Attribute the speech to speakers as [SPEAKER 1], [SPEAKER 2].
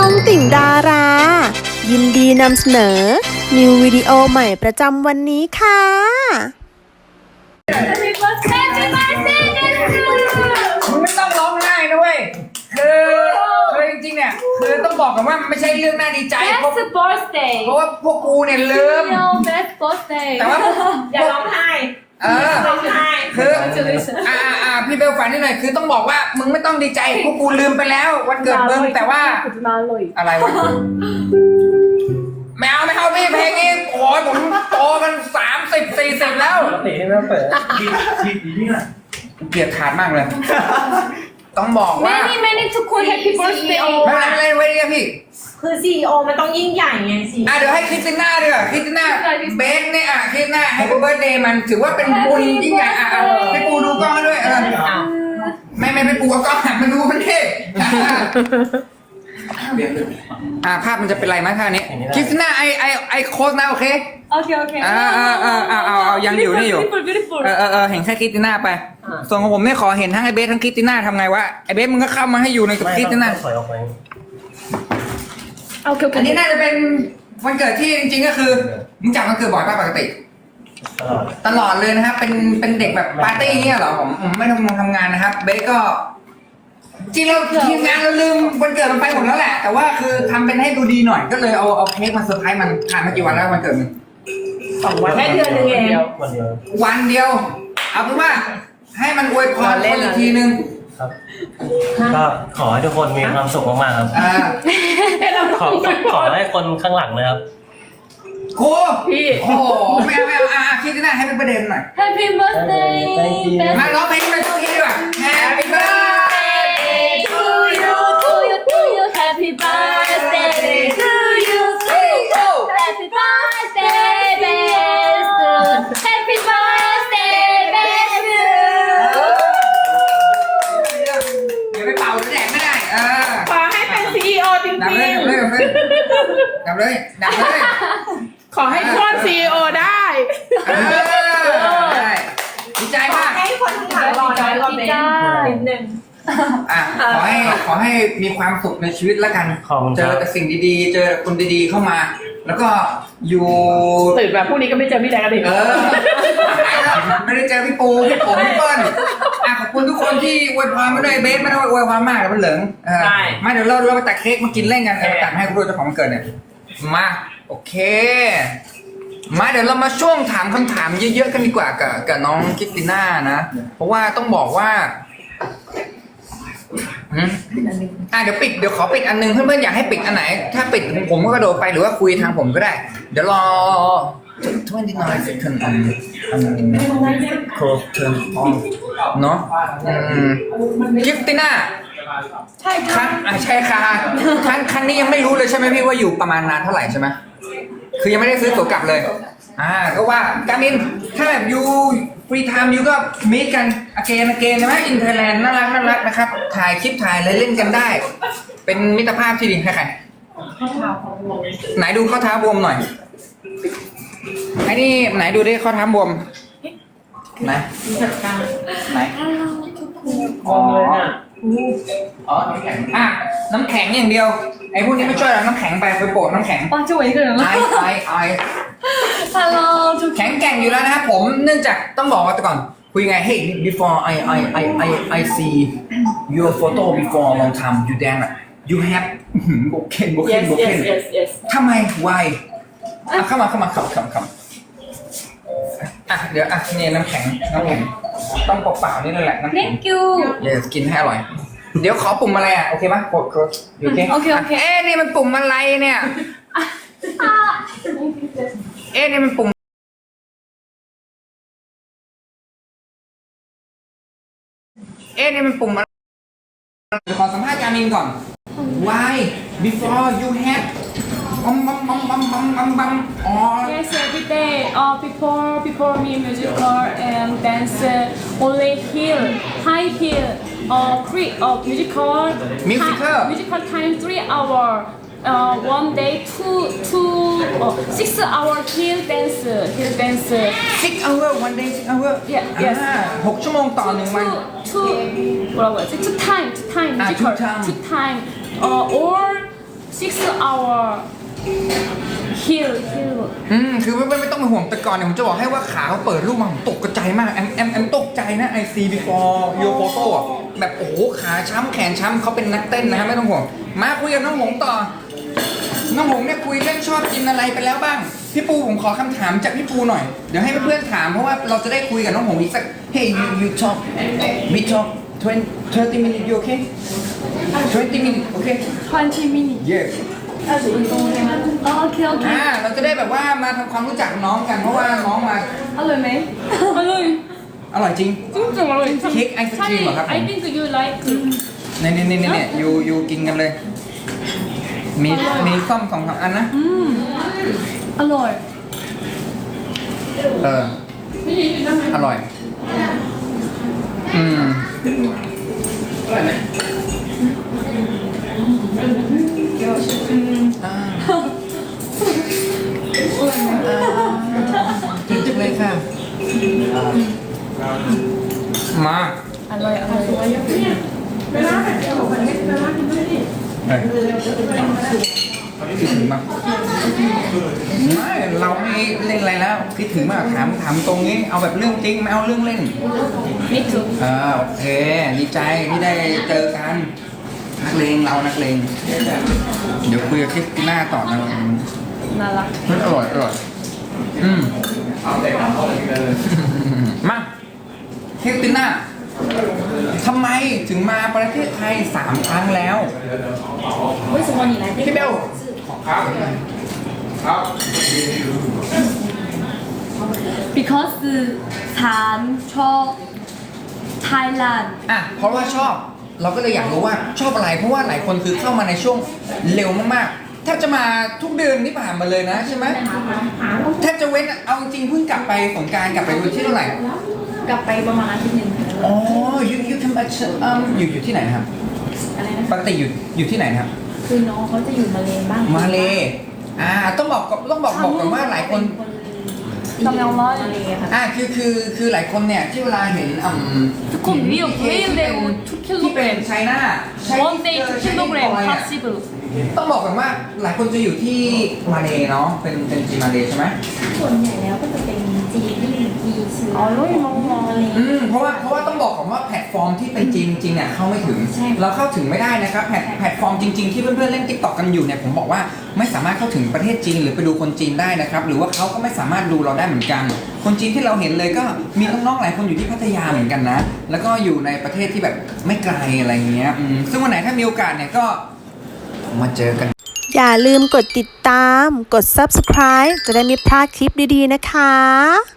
[SPEAKER 1] องติ่งดารา ยินดีนำเสนอ นิววิดีโอใหม่ประจำวันนี้ค่ะ
[SPEAKER 2] Happy birthday to my sister
[SPEAKER 3] มึงไม่ต้องร้องไห้นะเว้ยคือจริงๆเนี่ยคือต้องบอกกันว่ามันไม่ใช่เรื่องน่าดีใจเพราะ
[SPEAKER 2] Best birthday
[SPEAKER 3] เพราะว่าพวกกูเนี่ยลืม
[SPEAKER 2] Yo best birthday
[SPEAKER 3] แต่ว่าพวก
[SPEAKER 2] อย่าร้องไห้ ร้องไห้
[SPEAKER 3] คือพี่เบลฝันนิดหน่อยคือต้องบอกว่ามึงไม่ต้องดีใจพวกกูลืมไปแล้ววันเกิดมึงแต่ว่าอะไรวะไม่เอาพี่เพลงนี้โอ้ยผมโตกัน30-40แล้ว
[SPEAKER 4] เตะให้แม่เปิดทีนี่น่ะ
[SPEAKER 3] เกลียดขาดมากเลย ต้องบอกว่า
[SPEAKER 2] many ทุกคน Happy birthday
[SPEAKER 3] ไม่เป็นไรไว้เนี่ยพี่
[SPEAKER 5] คือ CEO มันต้องยิ่งใหญ่ไงสิ
[SPEAKER 3] เดี๋ยวให้คริสติน่าดีกว่าคริสติน่าเบสเนี่ยคริสติน่าให้เบิร์ดเดย์มันถือว่าเป็นบุญยิ่งใหญ่ให้ปูดูกล้องด้วยไม่ไปปูเอากล้องหันมาดูมันดิภาพมันจะเป็นไรไหมท่านี้คริสติน่าไอโค้ดนะโอเค
[SPEAKER 2] Okay
[SPEAKER 3] เอายังอยู่นี่อยู่
[SPEAKER 2] beautiful
[SPEAKER 3] เห็นแค่คริสติน่าไปส่วนของผมเนี่ยขอเห็นทั้งไอเบสทั้งคริสติน่าทำไงวะไอเบสมึงก็เข้ามาให้อยู่ในกับคริสติน่า
[SPEAKER 4] ถอยออกไป
[SPEAKER 3] อันนี้น่าจะเป็นวันเกิดที่จริงๆก็คือมึงจัดวันเกิดบ่อยป่ะปกติ ตลอดเลยนะครับเป็นเด็กแบบปาร์ตี้เนี่ยเหรอผมไม่ทำงานนะครับเบสก็จริงเราทีมงานเราลืมวันเกิดมันไปหมดแล้วแหละ แต่ว่าคือทำเป็นให้ดูดีหน่อยก็เลยเอาเค้กมาเซอร์ไพรส์มันผ่านมากี่วันแล้ววันเกิดมึง
[SPEAKER 5] 2 วันแค่เดือนนึงเอง
[SPEAKER 4] วันเดียว
[SPEAKER 3] วันเดียว เอาเป็นว่าให้มันอวยพรคนอีกทีนึง
[SPEAKER 4] ครับก็ขอให้ทุกคนมีความสุขมากๆครับขอให้คนข้างหลังนะครับ
[SPEAKER 3] ครูพี่โอ้โหไม่เอาคิดที่หน้าให้เป็นประเด็นหน่อย
[SPEAKER 2] Happy birthday best
[SPEAKER 3] มาร้องเพลงไปทุกทีดีกว่า Happy birthday
[SPEAKER 2] to you Happy birthday to you Happy birthday best Happy birthday best
[SPEAKER 3] เดี๋ยวไปเป่าแดกไม่ได้
[SPEAKER 5] ขอให้เป็น CEO จริง
[SPEAKER 3] ดับเลย
[SPEAKER 5] ๆ ขอให้โค่น CEO ได้
[SPEAKER 3] ได้ดีใจมาก
[SPEAKER 5] ให้คนข้างหลังรอน้อยรอเบนนิดนึง
[SPEAKER 3] ขอให้มีความสุขในชีวิตแล้วกัน เจอแต่สิ่งดีๆ เจอคนดีๆเข้ามา แล้วก็อยู่
[SPEAKER 5] ตื่นมาพรุ่งนี้ก็ไม่เจอพี่แดงกันดิ
[SPEAKER 3] ไม่ได้เจอพี่ปูพี่ผมพี่เปิ้ลขอบคุณทุกคนที่อวยพรมาด้วยเบสไม่ต้องอวยพรมากแต่มันเหลืองมาเดี๋ยวเราไปตัดเค้กมากินเล่นกันตัดให้คุณดูเจ้าของวันเกิดเนี่ยมาโอเคมาเดี๋ยวเรามาช่วงถามคำถามเยอะๆกันดีกว่ากับน้องคริสติน่านะเพราะว่าต้องบอกว่าเดี๋ยวขอปิดอันนึงเพื่อนๆอยากให้ปิดอันไหนถ้าปิดผมก็กระโดดไปหรือว่าคุยทางผมก็ได้เดี๋ยวรอ29 seconds close turn on เนาะคริสติน่าใช่ค่ะใช่ค่ะครั้งนี้ยังไม่รู้เลยใช่ไหมพี่ว่าอยู่ประมาณนานเท่าไหร่ใช่ไหมคือยังไม่ได้ซื้อตั๋วกลับเลยก็ว่าการมินถ้าแบบยูฟรีไทม์ยูก็มีกันอเกนใช่ไหมอินเทอร์แลนด์น่ารักนะครับถ่ายคลิปถ่ายอะไรเล่นกันได้ เป็นมิตรภาพที่ดีใครไหนดูข้อเท้าบวมหน่อยไอ้นี่ไหนดูดิข้อเท้าบวมไหนอ๋อน้ำแข็งน้ำแข็งอย่างเดียวไอ้พวกนี้ไม่ช่วยหรอกน้ำแข็งไปโปะน้ำแข็งไอ
[SPEAKER 2] Hello
[SPEAKER 3] แข็งแกร่งอยู่แล้วนะครับผมเนื่องจากต้องบอกว่าแต่ก่อนคุยไง Hey before I see your photo before long time you damn it you have โบเคนทำไม why เข้ามาเดี๋ยวนี่น้ำแข็งต้องเปล่าๆนี่เลยแหละน้ำแข็ง
[SPEAKER 2] Thank you
[SPEAKER 3] กินให้อร่อยเดี๋ยวขอปุ่มอะไรโอเคปะกดโอเคนี่มันปุ่มอะไรเนี่ยนี่มันปุ่มนี่มันปุ่มอะไรขอสัมภาษณ์การมินก่อน Why before you have
[SPEAKER 2] Yes, every day. Before me, musical and dance, only high heel, musical time 3 hours. One day 6 hour heel dance.
[SPEAKER 3] 6 hour one day 6 hour
[SPEAKER 2] Yes.
[SPEAKER 3] 6 ชั่วโมงต่อ1 วัน
[SPEAKER 2] Two time musical
[SPEAKER 3] two time.
[SPEAKER 2] two time or 6 hour heel
[SPEAKER 3] คือไม่ต้องเป็นห่วงแต่ก่อนเนี่ยผมจะบอกให้ว่าขาเขาเปิดรูปมาผมตกใจมากแอมตกใจนะไอซีbefore your photo อะแบบโอ้โหขาช้ำแขนช้ำเขาเป็นนักเต้นนะฮะไม่ต้องห่วงมาคุยกับน้องหงต่อน้องหงเนี่ยคุยเรื่องชอบกินอะไรไปแล้วบ้างพี่ปูผมขอคำถามจากพี่ปูหน่อยเดี๋ยวให้เพื่อนๆถามเพราะว่าเราจะได้คุยกับน้องหงอีกสัก Hey you talk we talk 20 minutes you okay 20 minutes okay
[SPEAKER 2] 20 minutes
[SPEAKER 3] yeah
[SPEAKER 2] โอเค
[SPEAKER 3] เราจะได้แบบว่ามาทำความรู้จักน้องกันเพราะว่าน้องมา
[SPEAKER 2] อร่อยไหมอร่อย
[SPEAKER 3] อร่อยจริง
[SPEAKER 2] จริงๆอร่อย
[SPEAKER 3] เค้กไอศกรีมเหรอครับผม
[SPEAKER 2] I think you like
[SPEAKER 3] เนี่ยยูกินกันเลยมีส้ม2-3อันนะ
[SPEAKER 2] อร่อย
[SPEAKER 3] อร่อยอร่อยไหมกินจังเลยค่ะมา
[SPEAKER 2] อร่อย
[SPEAKER 3] คิดถึงมากไม่เราไม่เล่นอะไรแล้วคิดถึงมากถามตรงนี้เอาแบบเรื่องจริงไม่เอาเรื่องเล่น
[SPEAKER 2] Me too
[SPEAKER 3] โอเคดีใจที่ได้เจอกันนักเลงเรานักเลงเดี๋ยวคุยกับคริสติน่าต่อนะ
[SPEAKER 2] น่ารัก
[SPEAKER 3] มันอร่อยมาคริสติน่าทำไมถึงมาประเทศไทย3 ครั้งแล้ว
[SPEAKER 2] 为什么你来
[SPEAKER 3] พี่เบลครับ
[SPEAKER 2] Because ฉันชอบไทยแลนด์
[SPEAKER 3] เพราะว่าชอบเราก็เลยอยากรู้ว่าชอบอะไรเพราะว่าหลายคนคือเข้ามาในช่วงเร็วมากๆแทบจะมาทุกเดือนที่ผ่านมาเลยนะใช่ไหมแทบจะเว้นเอาจริงเพิ่งกลับไปสงกรานต์กลับไปวันที่เท่าไหร่
[SPEAKER 2] กลับไปประมาณอาทิตย์หนึ่ง
[SPEAKER 3] อ๋อyou come back อยู่ที่ไหนครับ
[SPEAKER 2] อะไรนะ
[SPEAKER 3] ปกติอยู่ที่ไหนนะครับ
[SPEAKER 2] คือน้องเขาจะอยู่มาเลบ้าง
[SPEAKER 3] มาเลต้องบอกก่อนว่าหลายคน
[SPEAKER 2] ทำยังร้อยมาเลค่ะ
[SPEAKER 3] คือหลายคนเนี่ยที่เวลาเห็น
[SPEAKER 2] ทุกคนวิวเร็วทุกกิโล
[SPEAKER 3] ที่
[SPEAKER 2] เม
[SPEAKER 3] เป็น
[SPEAKER 2] ตร
[SPEAKER 3] ไชน่า
[SPEAKER 2] one day ทุกกิโลเมตร possible
[SPEAKER 3] ต้องบอกก่อนว่าหลายคนจะอยู่ที่มาเลเนาะเป็นจีนมาเลใช่ไหม
[SPEAKER 6] ส่วนใหญ่แล้วก็จะเป็นจีนที่มีซื้อ
[SPEAKER 2] อ๋อรู้มองๆ
[SPEAKER 6] อะไร
[SPEAKER 3] เพราะว่าต้องบอกก่อนว่าแพลตฟอร์มที่เป็นจีนจริงๆเนี่ยเข้าไม่ถึง เราเข้าถึงไม่ได้นะครับแพลตฟอร์มจริงๆที่เพื่อนๆเล่น TikTok กันอยู่เนี่ยผมบอกว่าไม่สามารถเข้าถึงประเทศจีนหรือไปดูคนจีนได้นะครับหรือว่าเขาก็ไม่สามารถดูเราได้เหมือนกันคนจีนที่เราเห็นเลยก็มีน้องๆหลายคนอยู่ที่พัทยาเหมือนกันนะแล้วก็อยู่ในประเทศที่แบบไม่ไกลอะไรเงี้ยซึ่งวันไหนถ้ามีโอกาสเนี่ยก็มาเจอกัน
[SPEAKER 1] อย่าลืมกดติดตาม กด subscribe จะได้ไม่พลาดคลิปดีๆนะคะ